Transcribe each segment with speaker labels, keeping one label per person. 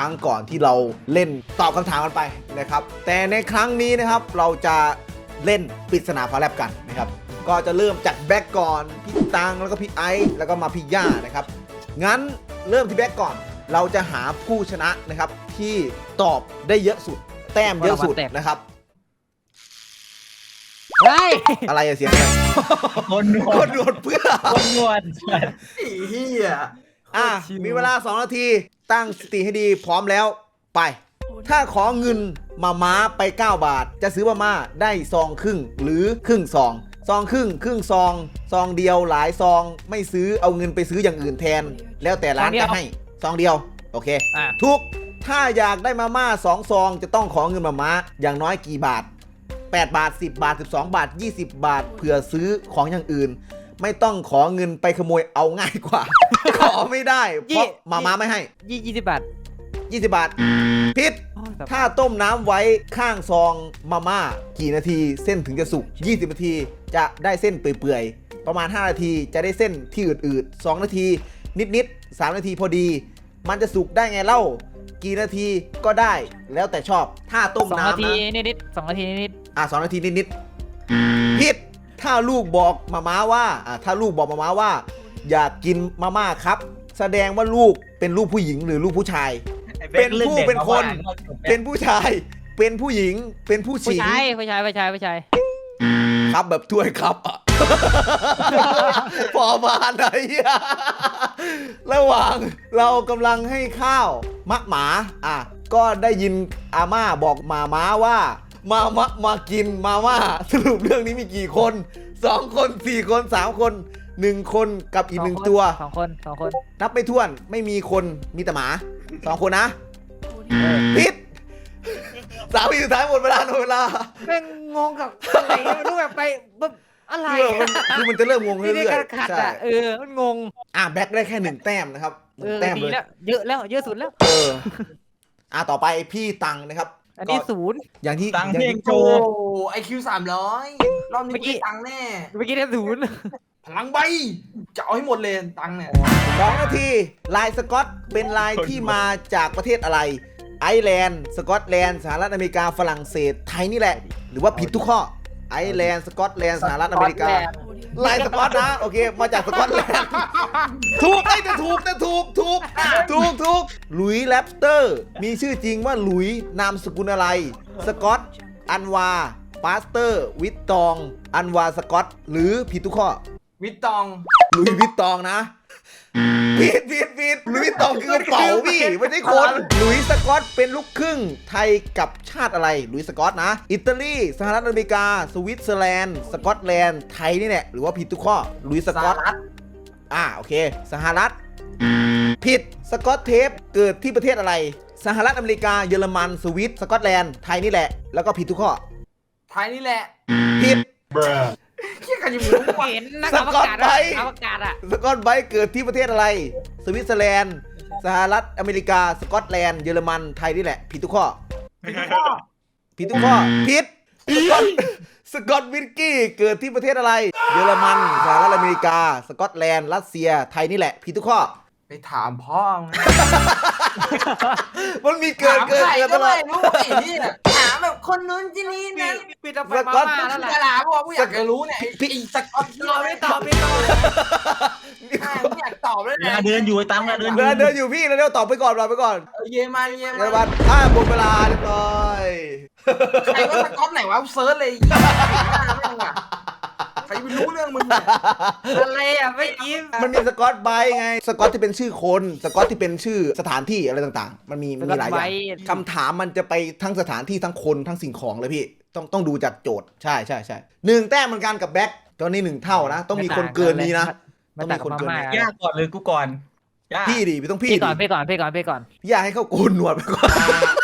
Speaker 1: รั้งก่อนที่เราเล่นตอบคำถามกันไปนะครับแต่ในครั้งนี้นะครับเราจะเล่นปริศนาฟ้าแลบกันนะครับก็จะเริ่มจากแบ็กก่อนพี่ตังแล้วก็พี่ไอซ์แล้วก็มาพี่ย่านะครับงั้นเริ่มที่แบ็กก่อนเราจะหาผู้ชนะนะครับที่ตอบได้เยอะสุดแต้มเยอะสุดนะครับ
Speaker 2: เฮ้ย
Speaker 1: อะไรอะเสียงอะไร
Speaker 3: คนนว
Speaker 1: ค
Speaker 3: ด
Speaker 1: นโดนเพื่อ
Speaker 3: คนนวด
Speaker 4: เฮีย
Speaker 1: มีเวลา2 นาทีตั้งสติให้ดีพร้อมแล้วไป ถ้าขอเงินมาม้าไป9 บาทจะซื้อมาม่าได้ซองครึ่งหรือครึ่งซองซองครึ่งซองซองเดียวหลายซองไม่ซื้อเอาเงินไปซื้ออย่างอื่นแทน แล้วแต่ร้านจะให้ซองเดียวโอเคทุกถ้าอยากได้มาม่า2 ซองจะต้องขอเงินมาม้าอย่างน้อยกี่บาท8 บาท10 บาท12 บาท20 บาทเผื่อซื้อของอย่างอื่นไม่ต้องขอเงินไปขโมยเอาง่ายกว่า ขอไม่ได้เพราะมาม่าไม่ให้
Speaker 2: 20 บาท
Speaker 1: 20 บาทพิษถ้าต้มน้ำไว้ข้างซองมาม่ากี่นาทีเส้นถึงจะสุก20 นาทีจะได้เส้นเปื่อยๆประมาณ5 นาทีจะได้เส้นที่อืดๆ2 นาทีนิดๆ3 นาทีพอดีมันจะสุกได้ไงเล่ากี่นาทีก็ได้แล้วแต่ชอบถ้าต้มน้ำนะ
Speaker 2: 2 นาทีนิด2 นาทีนิด
Speaker 1: 2 นาทีนิดๆพิษถ้าลูกบอกมาม่าว่าถ้าลูกบอกมาม่าว่าอยากกินมาม่าครับแสดงว่าลูกเป็นลูกผู้หญิงหรือลูกผู้ชายเป็นผู้เป็นคนเป็นผู้ชายเป็นผู้หญิงเป็นผู้
Speaker 2: ผู้
Speaker 1: ชิง
Speaker 2: ชาย
Speaker 1: ครับแบบถ้วยครับอะ พอมาไหนอะระหว่างเรากำลังให้ข้าวมะหมาก็ได้ยินอาม่าบอกมาม้าว่ามากินมาม่าสรุปเรื่องนี้มีกี่คน2 คน4 คน3 คน1 คนกับอีก1 ตัว
Speaker 2: 2 คน
Speaker 1: นับไม่ถ้วนไม่มีคนมีแต่หมา2 คนนะพิษ3 วิสุดท้ายหมดเวลา
Speaker 2: แม่งงงกับอะไรไม่รู้แบบไปแบบอะไร
Speaker 1: คือมันจะเริ่มงงเรื่อย
Speaker 2: ๆใช่มันงง
Speaker 1: แบ็คได้แค่1 แต้มนะครับแต้มเลย
Speaker 2: เยอะแล้วเยอะสุดแล้ว
Speaker 1: ต่อไปพี่ตังนะครับ
Speaker 2: อันนี้0
Speaker 1: อย่างที่
Speaker 3: ตังเพลงโช
Speaker 4: โอ้
Speaker 3: ว์
Speaker 4: IQ 300รอบนี้ไม่ตังค์แน่
Speaker 2: เมื่อกี้ได้0
Speaker 4: พลังใบจะเอาให้หมดเลยตังค์เนี่ย
Speaker 1: 2 นาทีลายสกอตเป็นลายที่มาจากประเทศอะไรไอร์แลนด์สกอตแลนด์สหรัฐอเมริกาฝรั่งเศสไทยนี่แหละหรือว่าผิดทุกข้อไอร์แลนด์สกอตแลนด์สหรัฐอเมริกาลายสกอตนะโอเคมาจากสกอตแลนด์ถูกแต่ถูกหลุยส์แรปเตอร์มีชื่อจริงว่าหลุยส์นามสกุลอะไรสกอตอันวาปาสเตอร์วิตตองอันวาสกอตหรือผิดทุกข้อ
Speaker 4: วิตตอง
Speaker 1: หลุยส์วิตตองนะผิดหลุยส์วิตตองคือกระเป๋าพี่ไม่ใช่คนหลุยส์สกอตเป็นลูกครึ่งไทยกับชาติอะไรหลุยส์สกอตนะอิตาลีสหรัฐอเมริกาสวิตเซอร์แลนด์สกอตแลนด์ไทยนี่แหละหรือว่าผิดทุกข้อหลุยส์สกอตโอเคสหรัฐผิดสกอตเทปเกิดที่ประเทศอะไรสหรัฐอเมริกาเยอรมันสวิตสกอตแลนด์ไทยนี่แหละแล้วก็ผิดทุกข้อ
Speaker 4: ไทยนี่แหละ
Speaker 1: ผิด
Speaker 4: เชี่ยกันยังรู้ว่า
Speaker 2: เห็นนักอวกาศ
Speaker 1: สกอตไบรท์เกิดที่ประเทศอะไรสวิตเซอร์แลนด์สหรัฐอเมริกาสกอตแลนด์เยอรมันไทยนี่แหละผิดทุกข้อผิดสกอตวินกี้เกิดที่ประเทศอะไรเยอรมันสหรัฐอเมริกาสกอตแลนด์รัสเซียไทยนี่แหละผิดทุกข้อ
Speaker 4: ไปถามพ่อ
Speaker 1: มันมีเกิดตลอด
Speaker 4: รู้ไอ้นี่ถามแบบคนนู้นที่นี่นะ
Speaker 2: ปิดไปมาแล้วแหละ
Speaker 4: จะถามว่ากูอยากจะรู้เนี่ยไอ้สกอต
Speaker 2: ไม่ตอบ
Speaker 4: ไม่อยากตอบเลยนะ
Speaker 3: เดินอยู่ไอ้ตังเ
Speaker 1: ดินอยู่พี่แล้วเดี๋ยวตอบไปก่อน
Speaker 4: เยมัน
Speaker 1: หมดเวลาเรียบร้อย
Speaker 4: ใครว่าสกอตไหนวะเซิร์ชเลยใครไปรู้เรื่องมึง
Speaker 2: อะไรไม่ยิ้ม
Speaker 1: มันมีสกอตไบรท์ไงสกอตที่เป็นชื่อคนสกอตที่เป็นชื่อสถานที่อะไรต่างๆมันมีหลายอย่างคำถามมันจะไปทั้งสถานที่ทั้งคนทั้งสิ่งของเลยพี่ต้องดูจากโจทย์ใช่1 แต้มเหมือนกันกับแบ็คตอนนี้1 เท่านะต้องมีคนเกินนี้นะต้องมีคนเกิน
Speaker 3: ยากก่อนเลยกูก่อน
Speaker 1: พี่ดิพี่ต้องพี่
Speaker 2: ก่อน
Speaker 1: อยากให้เขาโกนหนวดไปก่อน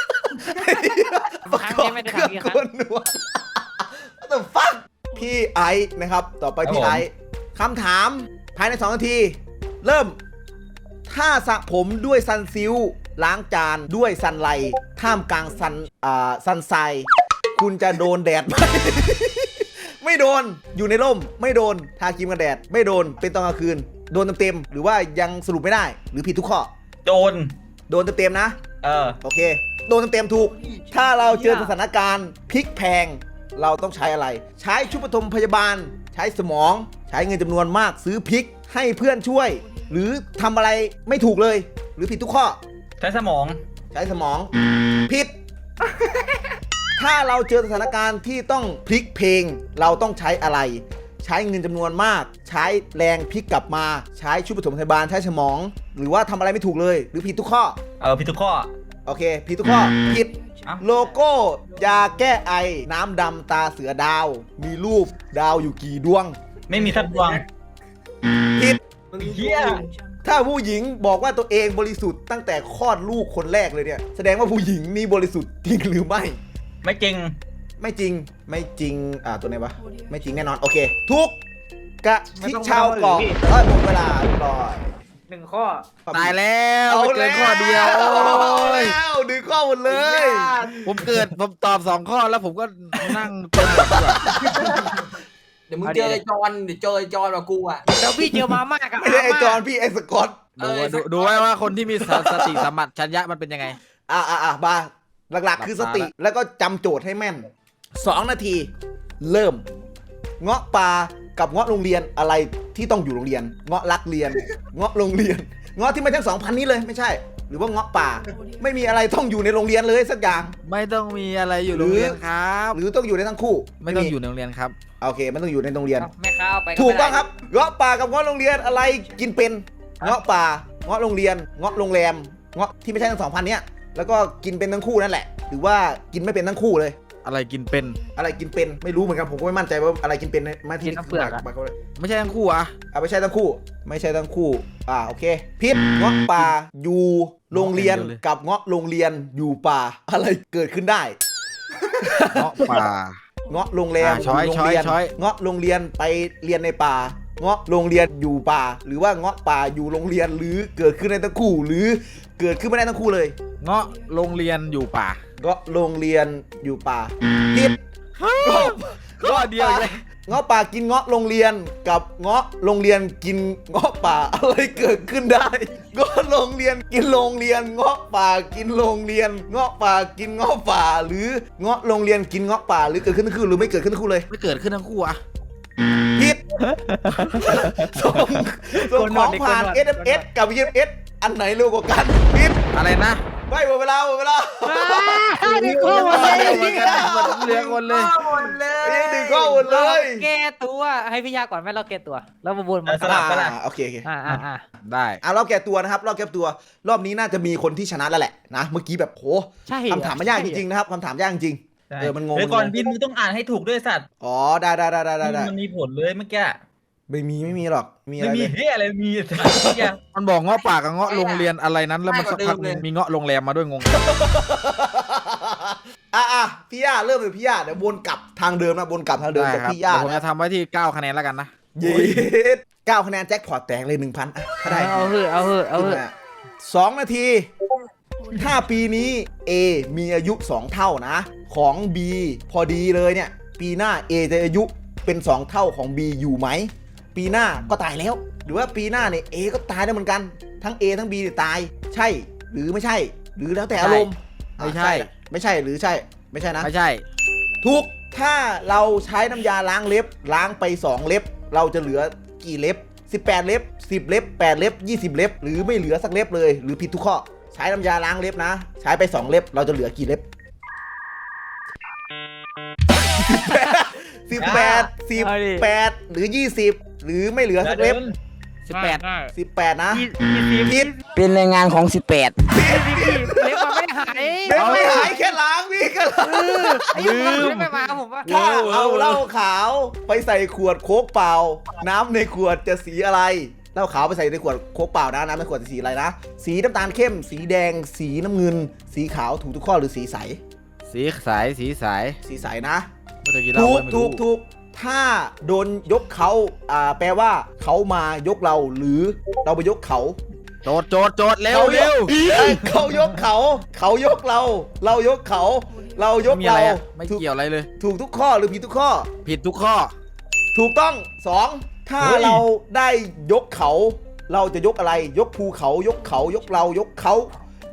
Speaker 2: ครั้งนี้ไม่ได้ทำอีกครั้ง
Speaker 1: What the fuck พี่ไอซ์นะครับต่อไปพี่ไอซ์คำถามภายใน2 นาทีเริ่มถ้าสระผมด้วยซันซิลล้างจานด้วยซันไลท่ามกลางซันไซคุณจะโดนแดดไหม ไม่โดนอยู่ในร่มไม่โดนทาครีมกันแดดไม่โดนเป็นตอนกลางคืนโดนเต็มๆหรือว่ายังสรุปไม่ได้หรือผิดทุกข้อ
Speaker 3: โดน
Speaker 1: เต็มๆนะโอเคโดนเต็มๆถูกถ้าเราเจอสถานการณ์พลิกแพงเราต้องใช้อะไรใช้ชุดปฐมพยาบาลใช้สมองใช้เงินจำนวนมากซื้อพริกให้เพื่อนช่วย หรือทำอะไรไม่ถูกเลย หรือผิดทุกข้อ
Speaker 3: ใช้สมอง
Speaker 1: ใช้สมองผิด ถ้าเราเจอสถานการณ์ที่ต้องพลิกเพลงเราต้องใช้อะไร ใช้เงินจำนวนมาก ใช้แรงพลิกกลับมาใช้ชุดปฐมพยาบาลใช้สมอง หรือว่าทำอะไรไม่ถูกเลย หรือผิดทุกข้อ
Speaker 3: ผิดทุกข้อ
Speaker 1: โอเคผิดทุกข้อผิด
Speaker 3: เอ้า
Speaker 1: โลโก้ยาแก้ไอน้ำดำตาเสือดาว มีรูปดาวอยู่กี่ดวง
Speaker 3: ไม่มีสักดวง
Speaker 1: ผิด
Speaker 3: เหี้ย
Speaker 1: ถ้าผู้หญิงบอกว่าตัวเองบริสุทธิ์ตั้งแต่คลอดลูกคนแรกเลยเนี่ยแสดงว่าผู้หญิงนี่บริสุทธิ์จริงหรือไม่
Speaker 3: ไม่จริง
Speaker 1: ไม่จริงไม่จริงตัวไหนวะไม่จริงแน่นอนโอเคทุกกะทิชาวกล่องหมดเวลาเรียบร้อย
Speaker 2: 1 ข้อ
Speaker 5: ตายแล้ว
Speaker 1: เอา
Speaker 5: ไม่เกิ
Speaker 1: แล้
Speaker 5: น
Speaker 1: ว
Speaker 5: ข้อเดียว
Speaker 1: เอา
Speaker 5: โอ้ย
Speaker 1: แล้วดึงข้อหมดเลย
Speaker 5: ผมตอบ2 ข้อแล้วผมก็นั่งจนหมดดีกว่า
Speaker 4: เดี๋ยวมึงเจอไอ้จอนเดี๋ยวเจอไอ้จอนกับกูอ่ะ
Speaker 2: แล้วพี่เจอมาม่ากับ
Speaker 1: ไม่ได้ไอจอนพี่ไอสกอต
Speaker 5: ดูไว้ว่าคนที่มีสติสัมปชัญญะมันเป็นยังไง
Speaker 1: บาหลักๆคือสติแล้วก็จำโจทย์ให้แม่น2 นาที เริ่ม เงาะปลากับเงาะโรงเรียนอะไรที่ต้องอยู่โรงเรียน เงาะรักเรียน เงาะโรงเรียน เงาะที่ไม่ทั้ง2,000นี้เลยไม่ใช่ หรือว่าเงาะป่าไม่มีอะไรต้องอยู่ในโรงเรียนเลยสักอย่าง
Speaker 5: ไม่ต้องมีอะไรอยู่โรงเรียนครับ
Speaker 1: หรือต้องอยู่ในทั้งคู่
Speaker 5: ไม่ต้องอยู่ในโรงเรียนครับ
Speaker 1: โอเคไม่ต้องอยู่ในโรงเรียน
Speaker 2: แม่ค้าเอาไป
Speaker 1: ถูกต้องครับเงาะป่ากับเงาะโรงเรียนอะไรกินเป็นเงาะป่าเงาะโรงเรียนเงาะโรงแรมเงาะที่ไม่ใช่ทั้ง2,000เนี้ยแล้วก็กินเป็นทั้งคู่นั่นแหละ หรือว่ากินไม่เป็นทั้งคู่เลย
Speaker 5: อะไรกินเป็น
Speaker 1: อะไรกินเป็นไม่รู้เหมือนกันผมก็ไม่มั่นใจว่าอะไรกินเป็นมาที่นี่คือปากเขาเลย
Speaker 5: ไม่ใช่ทั้งคู่อะ
Speaker 1: ไม่ใช่ทั้งคู่ ไม่ใช่ทั้งคู่โอเคพิษเงาะป่าอยู่โรงเรียนกับเงาะโรงเรียนอยู่ป่าอะไรเกิดขึ้นได้
Speaker 5: เงาะป่า
Speaker 1: เงาะโรงแรม
Speaker 5: ช้อย
Speaker 1: โรงเรีน
Speaker 5: ช้อย
Speaker 1: เงาะโรงเรียนไปเรียนในป่า เงาะโรงเรียนอยู่ป่า หรือว่าเงาะป่าอยู่โรงเรียนหรือเกิดขึ้นในทั้งคู่ หรือเกิดขึ้นไม่ได้ทั้งคู่เลย
Speaker 5: เงาะโรงเรียนอยู่ป่า
Speaker 1: เงาะโรงเรียนอยู่ป่าผิด
Speaker 5: ข้อเดียวเลย
Speaker 1: เงาะป่ากินเงาะโรงเรียนกับเงาะโรงเรียนกินเงาะป่าอะไรเกิดขึ้นได้เงาะโรงเรียนกินโรงเรียนเงาะป่ากินโรงเรียนเงาะป่ากินเงาะป่า หรือเงาะโรงเรียนกินเงาะป่าหรือเกิดขึ้นทั้งคู่หรือไม่เกิดขึ้นทั้งคู่เลย
Speaker 5: ไม่เกิดขึ้นทั้งคู่อะ
Speaker 1: ผิดส่งของผ่าน SMS กับ EMS อันไหนเร็วกว่ากันผิด
Speaker 5: อะไรนะ
Speaker 1: ไปหมดเวลา
Speaker 2: ดึงข้อหมดเลย
Speaker 5: เหลือคนเลย
Speaker 4: หมดเลย
Speaker 1: นี่ดึงข้อหมดเลย
Speaker 2: แก้ตัวให้พี่ยาก่อนไหมเราแก้ตัวแล้วมาวนมา
Speaker 3: สลับกันละ
Speaker 1: โอเค
Speaker 5: ได้
Speaker 1: รอบแก้ตัวนะครับรอบแก้ตัวรอบนี้น่าจะมีคนที่ชนะแล้วแหละนะเมื่อกี้แบบโห
Speaker 2: ใช่
Speaker 1: คำถามมันยากจริงๆนะครับคำถามยากจริง มันงง
Speaker 3: เดี๋ยวก่อนบินมึงต้องอ่านให้ถูกด้วยสัตว์
Speaker 1: อ๋อได้
Speaker 3: มันมีผลเลยเมื่อกี้
Speaker 1: ไม่มีหรอกมีอะ
Speaker 3: ไม่
Speaker 1: ไร
Speaker 3: มี
Speaker 1: เลย
Speaker 3: เฮ้ยอะไรมีสัตว์เมื่อกี้
Speaker 5: มันบอกเงาะป่ากับเงาะโรงเรียนอะไรนั้นแล้วมันสักพักมีเงาะโรงแรมมาด้วยงง
Speaker 1: พี่ย่าเริ่มเลยพี่ย่าเดี๋ยววนกลับทางเดิมนะวนกลับทางเดิม
Speaker 5: ได้
Speaker 1: จาก
Speaker 5: ครับ
Speaker 1: พี่ย่า
Speaker 5: เดี๋ยวผมจะทำไว้ที่9คะแนนแล้วกันนะ
Speaker 1: เย้9 คะแนนแจ็คพอตแตกเลย 1,000ถ้าได้
Speaker 2: เอาเหอะ
Speaker 1: 2 นาที ถ้าปีนี้ A มีอายุ 2 เท่านะ ของ B พอดีเลยเนี่ย ปีหน้า A จะอายุเป็น 2 เท่าของ B อยู่ไหม ปีหน้าก็ตายแล้ว หรือว่าปีหน้าเนี่ย A ก็ตายได้เหมือนกัน ทั้ง A ทั้ง B เนี่ยตาย ใช่ หรือไม่ใช่ หรือแล้วแต่อารมณ์
Speaker 5: ไม่ใช่
Speaker 1: ไม่ใช่หรือใช่ ไม่ใช่นะ
Speaker 5: ไม่ใช่
Speaker 1: ถูก ถ้าเราใช้น้ำยาล้างเล็บ ล้างไป 2 เล็บ เราจะเหลือกี่เล็บ 18 เล็บ 10 เล็บ 8 เล็บ 20 เล็บ หรือไม่เหลือสักเล็บเลย หรือผิดทุกข้อ ใช้น้ำยาล้างเล็บนะ ใช้ไป 2 เล็บ เราจะเหลือกี่เล็บ 18 หรือ 20 หรือไม่เหลือสักเล็บ 18 นะผิด
Speaker 6: เป็นแรงงานของ 18
Speaker 2: เล็บมันไม่หาย
Speaker 1: เล็บไม่หายแค่ล้างพี่ก็ล้าง
Speaker 2: ลืมไม่มาผมว่า
Speaker 1: ถ้าเอาเหล้าขาวไปใส่ขวดโค้กเปล่า น้ำในขวดจะสีอะไรเหล้าขาวไปใส่ในขวดโค้กเปล่านะน้ำในขวดจะสีอะไรนะ สีน้ำตาลเข้ม สีแดง สีน้ำเงิน สีขาวถูกทุกข้อหรือสีใส
Speaker 5: สีสาย
Speaker 1: สีใสนะ
Speaker 5: ไม่เคยกินเหล้า
Speaker 1: ถูก
Speaker 5: ไม่
Speaker 1: ถู
Speaker 5: รู้
Speaker 1: กถูกถ้าโดนยกเขาแปลว่าเขามายกเราหรือเราไปยกเขา
Speaker 5: โจทย์เร็วเร็ว
Speaker 1: เขายกเขา เขายกเรา เรายกเขา เรายก
Speaker 5: ไม่มี
Speaker 1: เรา
Speaker 5: อะไรอะไม่เกี่ยวอะไรเลย
Speaker 1: ถูกทุกข้อหรือผิดทุกข้อ
Speaker 5: ผิดทุกข้อ
Speaker 1: ถูกต้อง 2 ถ้า
Speaker 3: เฮ้ย
Speaker 1: เราได้ยกเขา เราจะยกอะไร ยกภูเขา ยกเขา ยกเรา ยกเขา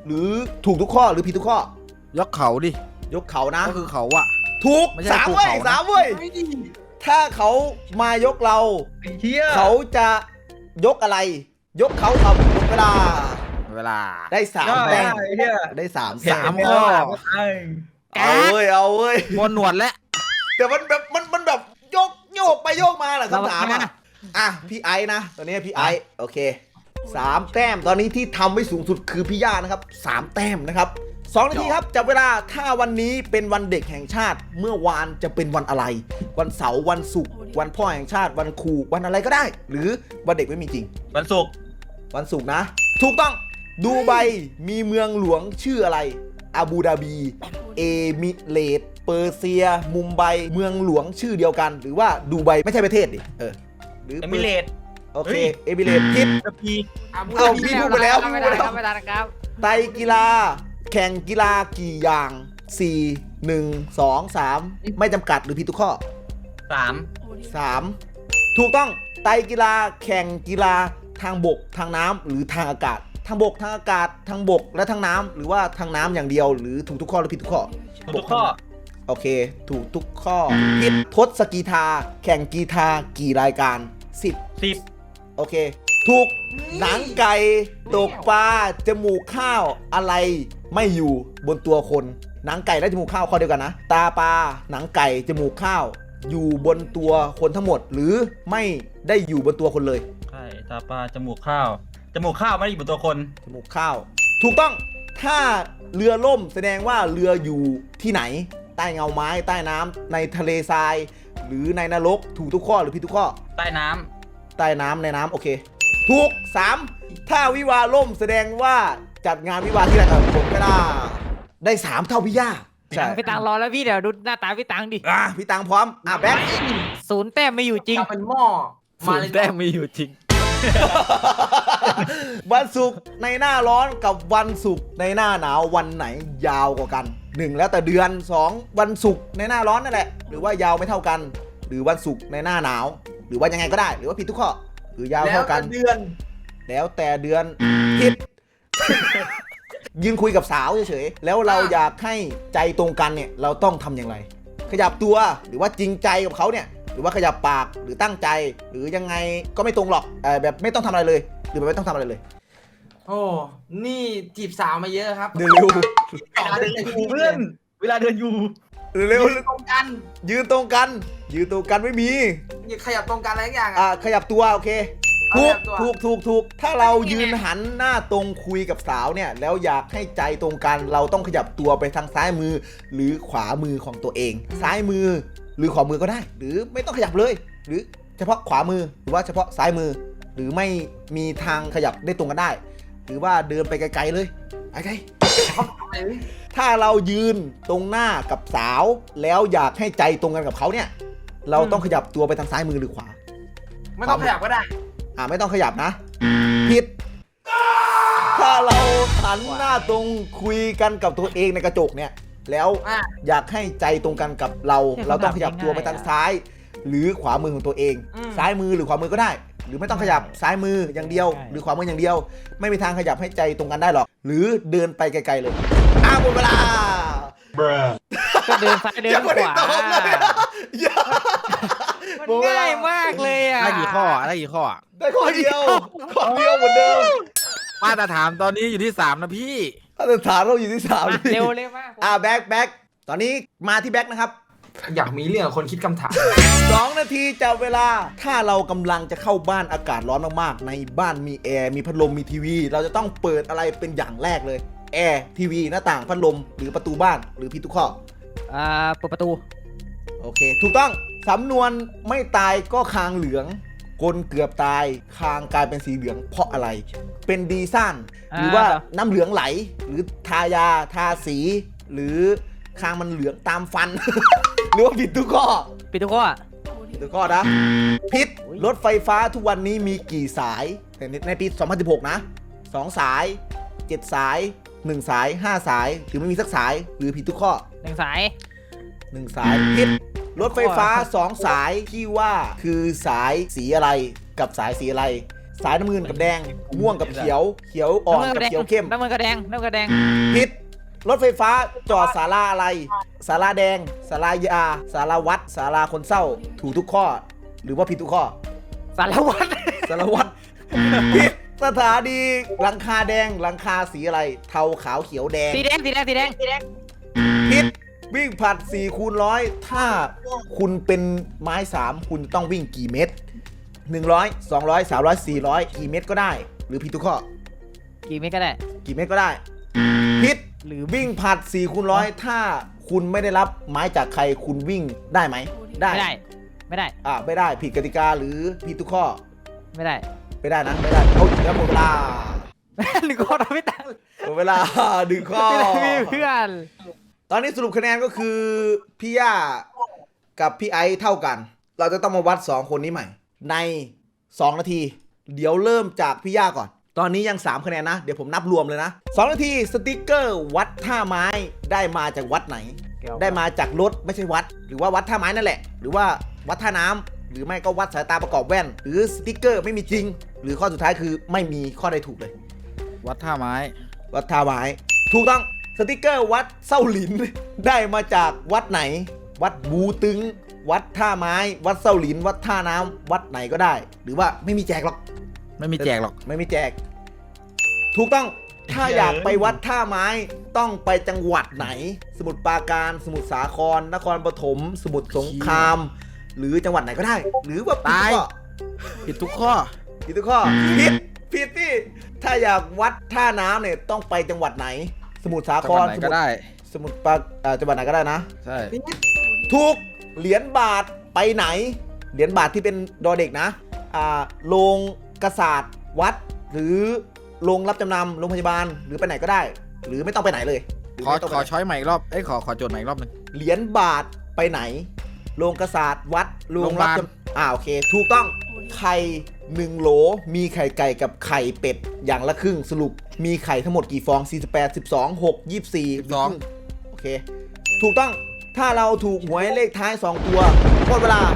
Speaker 1: หรือถูกทุกข้อหรือผิดทุกข้อย
Speaker 5: กเขาดิ
Speaker 1: ยกเขานะ
Speaker 5: ก็คือเขาอะ
Speaker 1: ถูก
Speaker 5: ไม่ใช่
Speaker 1: สาม
Speaker 5: ภู
Speaker 1: เว้ย
Speaker 5: เขานะ
Speaker 1: สามเว้ย
Speaker 4: ไม่ดี
Speaker 1: ถ้าเขามายกเรา
Speaker 3: ไอ้เหี้ย
Speaker 1: เขาจะยกอะไร ยกเขาทำหมดเวลา
Speaker 5: เวลา
Speaker 1: ได้สาม
Speaker 3: ได้
Speaker 1: แต้ม
Speaker 3: ไอ้เหี้ย
Speaker 1: ได้สาม
Speaker 5: สาม
Speaker 1: แต้ม
Speaker 5: ข้อ
Speaker 1: เอาเว้ยเอาเว้ย
Speaker 5: บนหนวดและ
Speaker 1: แต่มันแบบมันแบบโยกไปโยกมาแหละคำถามอ่ะพี่ไอ้นะตอนนี้พี่ไอ้โอเคสามแต้มตอนนี้ที่ทำไว้สูงสุดคือพี่ย่านะครับสามแต้มนะครับ2 นาทีครับจับเวลาถ้าวันนี้เป็นวันเด็กแห่งชาติเมื่อวานจะเป็นวันอะไร วันเสาร์วันศุกร์วันพ่อแห่งชาติวันครูวันอะไรก็ได้ หรือวันเด็กไม่มีจริง
Speaker 3: วันศุกร์
Speaker 1: วันศุกร์นะ ถูกต้องดูไบมีเมืองหลวงชื่ออะไรอาบูดาบีเอมิเรตส์เปอร์เซียมุมไบเมืองหลวงชื่อเดียวกัน หรือว่าดูไบไม่ใช่ประเทศดิหรือ
Speaker 3: เอมิเรตส์
Speaker 1: โอเคเอมิเรตส์ผิด
Speaker 3: กระพี
Speaker 1: เอาพี่พูดไปแล้ว
Speaker 2: ไม่ได้ครับไม่ได้ครับ
Speaker 1: ไตรกีฬาแข่งกีฬากี่อย่าง 4 1 2 3 ไม่จำกัดหรือผิดทุกข้อ 3 ถูกต้องไตรกีฬาแข่งกีฬาทางบกทางน้ำหรือทางอากาศ ทางบกทางอากาศทางบกและทางน้ำหรือว่าทางน้ำอย่างเดียวหรือถูกทุกข้อหรือผิดทุกข้อ
Speaker 3: ทุกข้อ
Speaker 1: โอเค ถูกทุกข้อผิดทศกีฬาแข่งกีฬากี่รายการ 10
Speaker 3: 10
Speaker 1: โอเค ถูกหนังไก่ตกปลาจมูกข้าวอะไรไม่อยู่บนตัวคนหนังไก่และจมูกข้าวข้อเดียวกันนะ ตาปลาหนังไก่จมูกข้าว อยู่บนตัวคนทั้งหมด หรือไม่ได้อยู่บนตัวคนเลย
Speaker 3: ไข่ตาปลาจมูกข้าวจมูกข้าวไม่ได้อยู่บนตัวคน
Speaker 1: จมูกข้าว ถูกต้องถ้าเรือล่มแสดงว่าเรืออยู่ที่ไหน ใต้เงาไม้ใต้น้ำในทะเลทราย หรือในนรกถูกทุกข้อหรือผิดทุกข้อ
Speaker 3: ใต้น้
Speaker 1: ใต้น้ำในน้ำโอเค ถูก 3 ถ้าวิวาห์ล่มแสดงว่าจัดงานวิวาห์ที่ไหนผมก็ได้3 เท่าพี่ย่าใช่
Speaker 2: พี่ตังรอแล้วพี่เดี๋ยวดูหน้าตาพี่ตังดิ
Speaker 1: พี่ตังพร้อมแบ็ค
Speaker 2: 0 แต้มไม่อยู่จริง
Speaker 4: จะเป็นหม้อ
Speaker 5: ศู
Speaker 4: มาน เลย
Speaker 5: ย์แต้มมีอยู่จริง
Speaker 1: วันศุกร์ในหน้าร้อนกับวันศุกร์ในหน้าหนาววันไหนยาวกว่ากัน 1 แล้วแต่เดือน 2 วันศุกร์ในหน้าร้อนนั่นแหละหรือว่ายาวไม่เท่ากัน หรือวันศุกร์ในหน้าหนาว หรือว่ายังไงก็ได้ หรือว่าผิดทุกข้อหรือยาว
Speaker 4: แล้ว
Speaker 1: เท่ากัน
Speaker 4: เดือน
Speaker 1: แล้วแต่เดือนผิด ยืนคุยกับสาวเฉยๆแล้วเราอยากให้ใจตรงกันเนี่ยเราต้องทำอย่างไร ขยับตัวหรือว่าจริงใจกับเขาเนี่ยหรือว่าขยับปากหรือตั้งใจ หรือยังไงก็ไม่ตรงหรอกแบบไม่ต้องทำอะไรเลย หรือแบบไม่ต้องทำอะไรเลย
Speaker 4: โอ้นี่จีบสาวมาเยอะครับ
Speaker 1: เร็ว
Speaker 4: ต่อเลย
Speaker 3: ำเพื่อนเวลาเดินอยู่
Speaker 1: เร็ว
Speaker 4: ยืนตรงกัน
Speaker 1: ยืนตรงกันยืนตรงกันไม่มี
Speaker 4: อย่าขยับตรงกันอะไรทุกอย่าง
Speaker 1: ขยับตัวโอเค
Speaker 4: เอา
Speaker 1: ถู
Speaker 4: ข
Speaker 1: ก
Speaker 4: ยับตัว
Speaker 1: ถูกถ้าเรายืนหันหน้าตรงคุยกับสาวเนี่ยแล้วอยากให้ใจตรงกันเราต้องขยับตัวไปทางซ้ายมือ หรือขวามือของตัวเอง ซ้ายมือหรือขวามือก็ได้ หรือไม่ต้องขยับเลย หรือเฉพาะขวามือหรือว่าเฉพาะซ้ายมือ หรือไม่มีทางขยับได้ตรงกันได้ หรือว่าเดินไปไกลๆเลยไกลๆถ้าเรายืนตรงหน้ากับสาวแล้วอยากให้ใจตรงกันกับเขาเนี่ยเราต้องขยับตัวไปทางซ้ายมือหรือขวา
Speaker 4: ไม่ต้องขยับก็ได้
Speaker 1: ไม่ต้องขยับนะผิด ถ้าเราหันหน้าตรงคุยกันกับตัวเองในกระจกเนี่ยแล้ว
Speaker 4: อ่ะ
Speaker 1: อยากให้ใจตรงกันกับเรา
Speaker 2: เนี่ย
Speaker 1: เราต้องขยับ
Speaker 2: ง่ายๆ
Speaker 1: ตัวไปทางซ้าย หรือขวามือของตัวเอง ซ้ายมือหรือขวามือก็ได้ หรือไม่ต้องขยับซ้ายมืออย่างเดียว หรือขวามืออย่างเดียว ไม่มีทางขยับให้ใจตรงกันได้หรอกหรือเดินไปไกลๆเลยหมดเวลา
Speaker 2: ก็เดินซ้ายเดิน
Speaker 1: ยัง
Speaker 2: ข
Speaker 1: ไม่ได้
Speaker 2: วา
Speaker 1: ตอบเลยอย่า
Speaker 2: มันง่ายมากเลยอ่ะ
Speaker 5: ได้กี่ข้อได้กี่ข้อ
Speaker 1: ได้ข้อเดียวเหมือนเดิม
Speaker 5: มาตรฐานตอนนี้อยู่ที่ 3 นะพี่
Speaker 1: มาตรฐานเราอยู่ที่3
Speaker 2: มาเร็วเลยมาก
Speaker 1: แบ็คตอนนี้มาที่แบ็คนะครับ
Speaker 4: อยากมีเรื่องกับคนคิดคำถาม
Speaker 1: 2 นาทีจับเวลาถ้าเรากำลังจะเข้าบ้านอากาศร้อนมากๆในบ้านมีแอร์มีพัดลมมีทีวี เราจะต้องเปิดอะไรเป็นอย่างแรกเลยแอร์ทีวีหน้าต่างพัดลมหรือประตูบ้านหรือผิดทุกข้อ
Speaker 2: เปิดประตู
Speaker 1: โอเค ถูกต้องสำนวนไม่ตายก็คางเหลืองคนเกือบตายคางกลายเป็นสีเหลืองเพราะอะไร เป็นดีซ่านหรือว่าน้ำเหลืองไหลหรือทายาทาสี หรือคางมันเหลืองตามฟัน หรือว่าผิดทุกข้อ
Speaker 2: ปิดทุกข้อ
Speaker 1: ผิดทุกข้อนะผิดรถไฟฟ้าทุกวันนี้มีกี่สายในปี 2016 นะ2 สาย 7 สาย 1 สาย 5 สายหรือไม่มีสักสายหรือผิดทุกข้อ
Speaker 2: 1 สาย
Speaker 1: 1 สายผิดรถไฟฟ้า 2 สายที่ว่าคือสายสีอะไรกับสายสีอะไรสายน้ำเงินกับแดง ม่วงกับเขียว เขียวอ่อนกับเขียวเข้ม
Speaker 2: น้ำเงินกระแดงน้ำเงินกระแดง
Speaker 1: ผิดรถไฟฟ้าจอดศาลาอะไรศาลาแดงศาลายาศาลาวัดศาลาคนเศร้าถูกทุกข้อ หรือว่าผิดทุกข้อ
Speaker 2: สารวัตร
Speaker 1: สารวัตรผิดสถานีหลังคาแดงหลังคาสีอะไร เทาขาวเขียวแดง
Speaker 2: สีแดงสีแดงสีแดงสีแดง
Speaker 1: ผิดวิ่งผลัด4 คูณ 100ถ้าคุณเป็นไม้ 3 คุณต้องวิ่งกี่เมตร100 200 300 400กี่เมตรก็ได้ หรือผิดทุกข้อ
Speaker 2: กี่เมตรก็ได้
Speaker 1: กี่เมตรก็ได้ผิดหรือวิ่งผลัด4 คูณ 100ถ้าคุณไม่ได้รับไม้จากใครคุณวิ่งได้ไหมได้
Speaker 2: ไม่ได้ไม่ได้
Speaker 1: ไม่ได้ผิดกติกาหรือผิดทุกข้อ
Speaker 2: ไม่ได้
Speaker 1: ไม่ได้นะไม่ได้เอาแล้วหมดเวลา
Speaker 2: หนึ่งคนไม่ตัง
Speaker 1: หมดเวลาดึงข้อ
Speaker 2: ไม่ได้มีเพื่อน
Speaker 1: ตอนนี้สรุปคะแนนก็คือพี่ย่ากับพี่ไอซ์เท่ากัน เราจะต้องมาวัด 2 คนนี้ใหม่ ใน 2 นาที เดี๋ยวเริ่มจากพี่ย่าก่อน ตอนนี้ยัง 3 คะแนนนะ เดี๋ยวผมนับรวมเลยนะ 2 นาทีสติกเกอร์วัดท่าไม้ได้มาจากวัดไหน ได้มาจากรถไม่ใช่วัด หรือว่าวัดท่าไม้นั่นแหละ หรือว่าวัดท่าน้ำหรือไม่ก็วัดสายตาประกอบแว่น หรือสติกเกอร์ไม่มีจริง หรือข้อสุดท้ายคือไม่มีข้อใดถูกเลย
Speaker 5: วัดท่าไม้
Speaker 1: วัดท่าไม้ถูกต้องสติกเกอร์วัดเส้าหลิน ได้มาจากวัดไหน วัดบูตึง วัดท่าไม้ วัดเส้าหลิน วัดท่าน้ำวัดไหนก็ได้ หรือว่าไม่มีแจกหรอก
Speaker 5: ไม่มีแจกหรอก
Speaker 1: ไม่มีแจก ถูกต้องถ้าอยากไปวัดท่าไม้ต้องไปจังหวัดไหน สมุทรปราการสมุทรสาครนครปฐมสมุทรสงคราม หรือจังหวัดไหนก็ได้ หรือว่าผิดทุกข้อ
Speaker 5: ผิดทุกข้อ
Speaker 1: ผิดที่ถ้าอยากวัดท่าน้ำเนี่ยต้องไปจังหวัดไหน สมุทรสา
Speaker 5: จั
Speaker 1: ค
Speaker 5: งหวั
Speaker 1: ร
Speaker 5: ดไหนก็ได้
Speaker 1: สมุทรปราจังหวัดไหนก็ได้นะ
Speaker 5: ใช่
Speaker 1: ถูกเหรียญบาทไปไหน เหรียญบาทที่เป็นดอเด็กนะโรงกษาตรวัด หรือโรงรับจำนำโรงพยาบาลหรือไปไหนก็ได้ หรือไม่ต้องไปไหนเลยหรือ
Speaker 5: ขอ
Speaker 1: ไม่ต้อง
Speaker 5: ข
Speaker 1: ไป
Speaker 5: อ
Speaker 1: ไหน
Speaker 5: ช้อยใหม่อีกรอบเอ้ยขอโจทย์ใหม่อีกรอบหนึง
Speaker 1: เหรียญบาทไปไหน โรงกษาตรวัดโรงรับ
Speaker 5: โรงพยาบาล
Speaker 1: จำโอเค ถูกต้องไข่1 โหลมีไข่ไก่กับไข่เป็ดอย่างละครึ่งสรุปมีไข่ทั้งหมดกี่ฟอง48 12 6 24 โอเค ถูกต้องถ้าเราถูกหวยเลขท้าย 2 ตัวหมดเวลา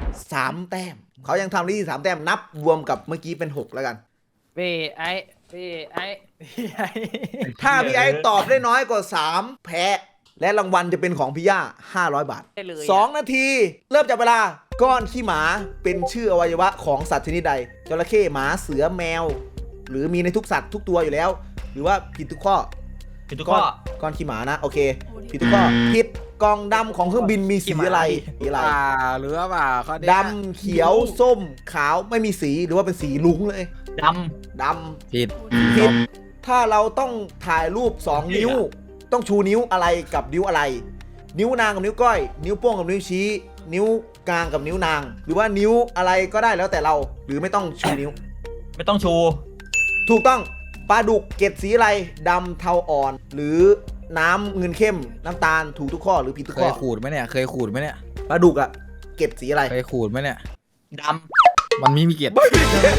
Speaker 1: 3 แต้มเขายังทำได้ที่3 แต้มนับรวมกับเมื่อกี้เป็น 6 แล้วกัน
Speaker 2: พี่ไอ้พี่ไอ้
Speaker 1: ถ้าพี่ไอ้ตอบได้น้อยกว่า 3 แพ้ และรางวัลจะเป็นของพี่ย่า500 บาท
Speaker 2: ได้เลย
Speaker 1: 2 นาที เริ่มจากเวลาก้อนขี้หมาเป็นชื่ออวัยวะของสัตว์ชนิดใดจระเข้หมาเสือแมว หรือมีในทุกสัตว์ทุกตัวอยู่แล้ว หรือว่าผิดทุกข้อ
Speaker 3: ผิดทุกข้อ
Speaker 1: ก้อนขี้หมานะโอเคผิดทุกข้อผิดกล่องดำของเครื่องบินมีสีอะไรสีอะไร
Speaker 5: หรือว่าข้อเนี้ย
Speaker 1: ดำเขียวส้มขาวไม่มีสีหรือว่าเป็นสีลุ้งเลย
Speaker 3: ด
Speaker 1: ด
Speaker 5: ผิด
Speaker 1: ำผิดถ้าเราต้องถ่ายรูป 2 นิ้ว ต้องชูนิ้วอะไรกับนิ้วอะไร นิ้วนางกับนิ้วก้อย นิ้วโป้งกับนิ้วชี้ นิ้วกลางกับนิ้วนาง หรือว่านิ้วอะไรก็ได้แล้วแต่เรา หรือไม่ต้องชูนิ้ว
Speaker 3: ำไม่ต้องชู
Speaker 1: ถูกต้องปลาดุกเกล็ดสีอะไรดำเทาอ่อน หรือน้ำเงินเข้มน้ำตาลถูกทุกข้อหรือผิดทุก
Speaker 5: เค
Speaker 1: ข้อย
Speaker 5: ขูดไหมเนี่ย เคยขูดไหมเนี่ย
Speaker 1: ปลาดุกอะเกล็ดสีอะไร
Speaker 5: เคยขูดไหมเนี่ย
Speaker 3: ด
Speaker 5: มันมีเกียรติ
Speaker 1: มัน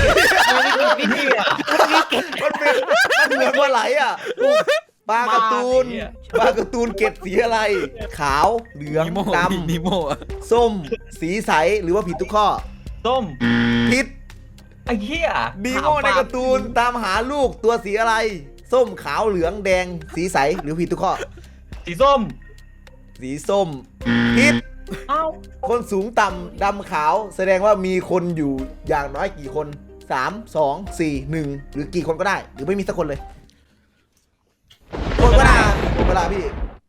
Speaker 1: เหมือนปลาไหลอ่ะปลาการ์ตูนปลาการ์ตูนเกล็ดสีอะไร ขาวเหลือง
Speaker 5: นิโม่
Speaker 1: ด
Speaker 5: นิโม่อะ
Speaker 1: ำส้ม สีใสหรือว่าผิดทุกข้อ
Speaker 3: ำส้ม
Speaker 1: ผิด
Speaker 3: ไอ้เหี้ย
Speaker 1: ดีโม่ในการ์ตูนตามหาลูกตัวสีอะไร ส้มขาวเหลืองแดง สีใสหรือผิดทุกข้อ
Speaker 3: สีส้ม
Speaker 1: สีส้มผิด
Speaker 3: เอ้า
Speaker 1: คนสูงต่ำดำขาว แสดงว่ามีคนอยู่อย่างน้อยกี่คน3 2 4 1หรือกี่คนก็ได้ หรือไม่มีสักคนเลยหมดเวลาพี่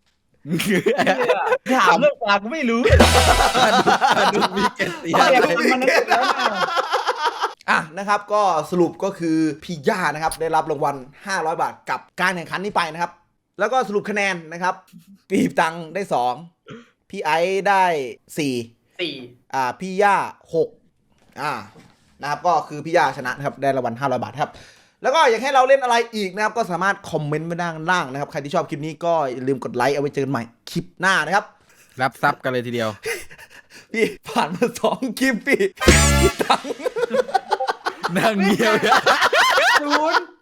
Speaker 3: ถามเรื่องปลากูไม่รู้
Speaker 5: ดูมีเกียรติ
Speaker 3: มันนึกแล้วนะ
Speaker 1: อ่ะนะครับก็สรุปก็คือพี่ย่านะครับได้รับรางวัล500 บาทกับการแข่งขันนี้ไปนะครับ แล้วก็สรุปคะแนนนะครับปีบตังได้2พี่ไอซ์ได้4พี่ย่า6นะครับก็คือพี่ย่าชนะนะครับได้รางวัล500 บาทครับแล้วก็อยากให้เราเล่นอะไรอีกนะครับก็สามารถคอมเมนต์ไว้ด้านล่างนะครับใครที่ชอบคลิปนี้ก็อย่าลืมกดไลค์เอาไว้เจอกันใหม่คลิปหน้านะครับ
Speaker 5: รับทรัพย์กันเลยทีเดียว
Speaker 1: พี่ผ่านมา2 คลิปพี่ตังค์
Speaker 5: นั่งเงียบ
Speaker 2: ศูนย์